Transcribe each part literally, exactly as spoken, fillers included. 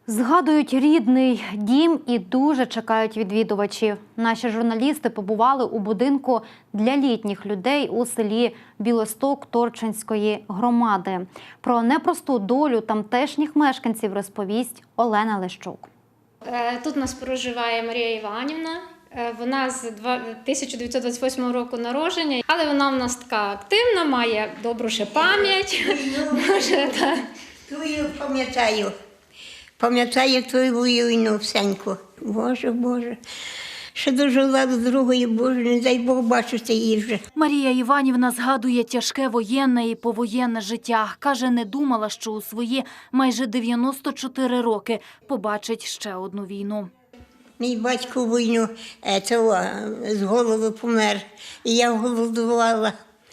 Згадують рідний дім і дуже чекають відвідувачів. Наші журналісти побували у будинку для літніх людей у селі Білосток Торчинської громади. Про непросту долю тамтешніх мешканців розповість Олена Лещук. Тут у нас проживає Марія Іванівна. Вона з тисяча дев'ятсот двадцять восьмого року народження, але вона в нас така активна, має добру ще пам'ять. Твою пам'ятаю. Пам'ятаю твою війну всеньку. Боже, Боже. Ще дожила до другої, Боже, не дай Бог бачити її вже. Марія Іванівна згадує тяжке воєнне і повоєнне життя. Каже, не думала, що у свої майже дев'яносто чотири роки побачить ще одну війну. Мій батько в війну того, з голови помер, і я голодувала.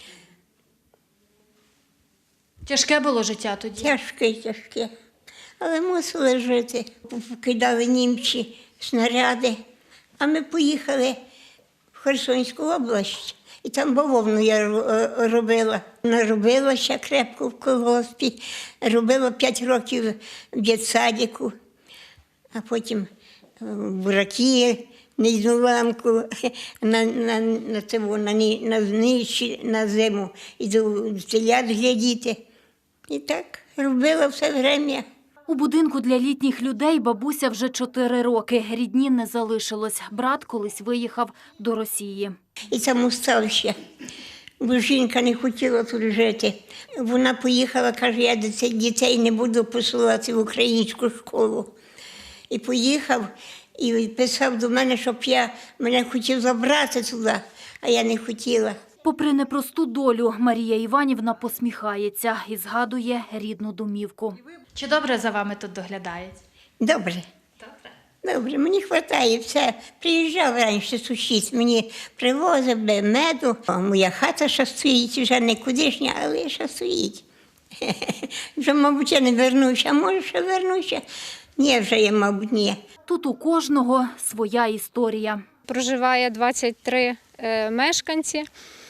Тяжке було життя тоді? Тяжке, тяжке. Але мусили жити. Кидали німці снаряди. А ми поїхали в Херсонську область. І там бавовну я робила. Наробилася крепко в колгоспі. Робила п'ять років в дитсадіку. А потім в бураки, низуламку, на, на, на, цього, на, на, знищі, на зиму. Іду телят глядіти. І так робила все время. У будинку для літніх людей бабуся вже чотири роки. Рідні не залишилось. Брат колись виїхав до Росії. І там устався, бо жінка не хотіла тут жити. Вона поїхала, каже, я дітей не буду посилати в українську школу. І поїхав, і писав до мене, щоб я мене хотів забрати туди, а я не хотіла. Попри непросту долю, Марія Іванівна посміхається і згадує рідну домівку. Чи добре за вами тут доглядають? Добре. Добре. Добре, мені вистачає все. Приїжджав раніше сусід, мені привозив меду. О, моя хата ще стоїть, вже не кудишня, але ще стоїть. Вже, мабуть, я не вернуся, а може ще вернуся. Ні, вже я, мабуть, ні. Тут у кожного своя історія. Проживає двадцять три е, мешканці.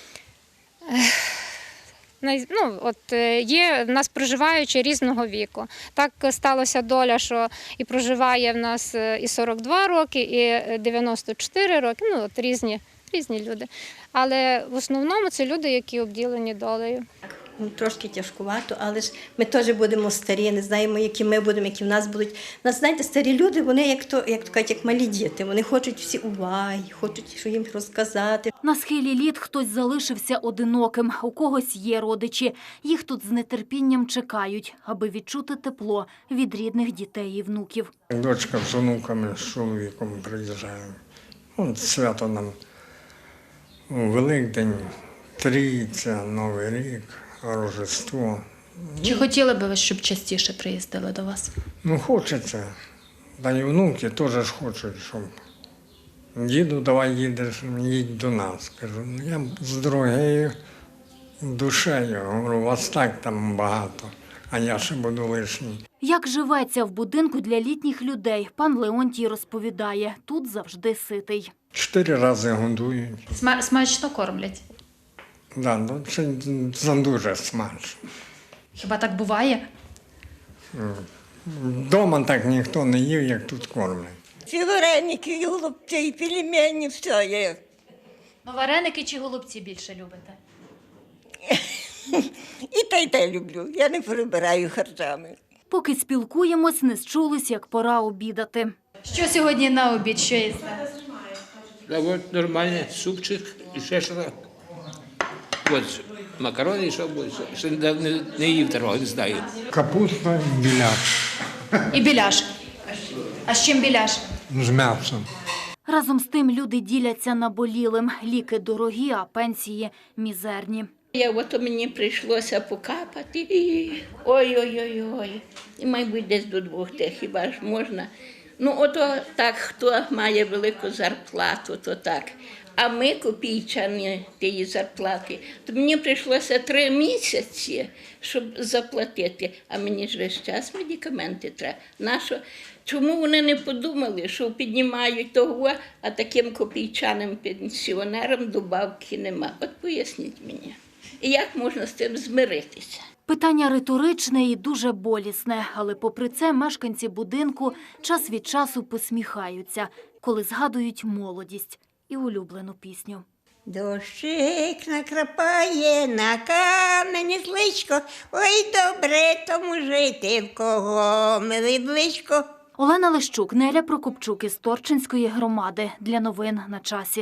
Ну, от є в нас проживаючі різного віку. Так сталося доля, що і проживає в нас і сорок два роки, і дев'яносто чотири роки, ну от різні, різні люди. Але в основному це люди, які обділені долею. Трошки тяжкувато, але ж ми теж будемо старі, не знаємо, які ми будемо, які в нас будуть. Нас, знаєте, старі люди, вони як то, як то кажуть, як малі діти. Вони хочуть всі уваги, хочуть, що їм розказати. На схилі літ хтось залишився одиноким, у когось є родичі. Їх тут з нетерпінням чекають, аби відчути тепло від рідних дітей і внуків. Дочка з онуками, з чоловіком приїжджає. От свято нам у Великдень, Трійця, Новий рік, Рождество. Чи хотіли би ви, щоб частіше приїздили до вас? Ну, хочеться. Та й внуки теж ж хочуть, щоб діду, давай їдеш, їдь до нас. Кажу, ну я з дорогою душею, говорю, вас так там багато, а я ще буду лишній. Як живеться в будинку для літніх людей, пан Леонтій розповідає, тут завжди ситий. Чотири рази годують. Сма- смачно кормлять? Да, ну, це, це дуже смачно. Хіба так буває? Вдома так ніхто не їв, як тут кормлять. Ці вареники, і голубці, і пельмені, все є. Ну, вареники чи голубці більше любите? І те, й те люблю. Я не перебираю харчами. Поки спілкуємось, не зчулись, як пора обідати. Що сьогодні на обід, що їсте? Да вот нормальный супчик і ще що. От макарони, що буде, ще не, не їв такого, не знаю. Капуста і біляш І біляш. А з чим біляш? з м'ясом. Разом з тим люди діляться наболілим. Ліки дорогі, а пенсії мізерні. Я, от мені прийшлося покапати. І ой-ой-ой-ой. І, мабуть, десь до двох тих хіба ж можна. Ну, ото так, хто має велику зарплату, то так. А ми копійчані тієї зарплати. То мені прийшлося три місяці, щоб заплатити. А мені ж весь час медикаменти треба. Нащо? Чому вони не подумали, що піднімають того, а таким копійчаним пенсіонерам добавки нема? От поясніть мені. І як можна з цим змиритися? Питання риторичне і дуже болісне, але попри це мешканці будинку час від часу посміхаються, коли згадують молодість і улюблену пісню. Дощик накрапає на камені зличко, ой, добре тому жити, в кого милий близько. Олена Лищук, Неля Прокопчук із Торчинської громади. Для новин на часі.